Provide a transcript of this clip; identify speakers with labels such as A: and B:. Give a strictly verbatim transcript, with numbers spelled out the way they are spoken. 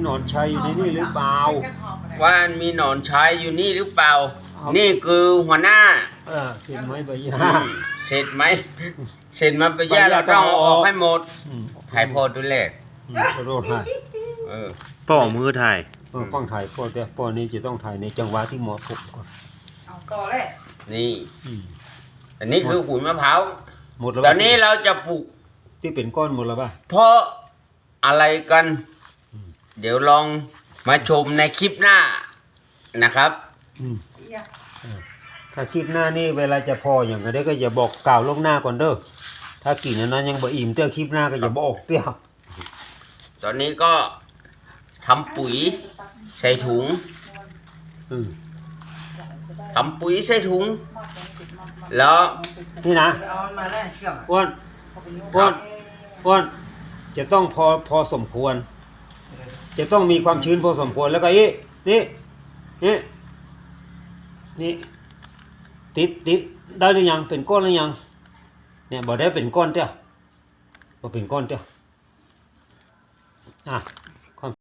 A: นอนชัยอยู่ในนี่หรือเปล่า
B: ว่ามีหนอนชัยอยู่นี่หรือเปล่านี่คือหัวหน้า
A: เออเสร็จไหมใบหญ้า
B: เสร็จไหมเสร็จมาใบหญ้าเราต้องเอาออกให้หมดถ่ายพอดูแล
A: ขอโทษให้
B: เออ
C: พ่อมือถ่าย
A: เออฟังถ่ายพ่อแต่พ่อนี้จะต้องถ่ายในจังหวะที่เหมาะสมก่อน
D: เอาต่อเลย
B: นี่อันนี้คือขุยมะพร้าว
A: หมดแล้ว
B: ตอนนี้เราจะปลูก
A: ที่เป็นก้อนหมดแล้วป่ะ
B: เพราะอะไรกันเดี๋ยวลองมาชมในคลิปหน้านะครับ
A: ถ้าคลิปหน้านี่เวลาจะพออย่างก็ได้ก็อย่าบอกกล่าวล่วงหน้าก่อนเด้อถ้ากินนั้นยังบ่อิ่มเจ้าคลิปหน้าก็อย่าบอกเตี้ย
B: ตอนนี้ก็ทำปุ๋ยใส่ถุงทำปุ๋ยใส่ถุงแล้ว
A: นี่นะอ้วนอ้วนอ้วนจะต้องพอพอสมควรจะต้องมีความชื้นพอสมควรแล้วก็อีนี่นี่นี่ติดติดได้หรือยังเป็นก้อนหรือยังเนี่ยบอกได้เป็นก้อนเจ้าบอกเป็นก้อนเจ้าอ่ะ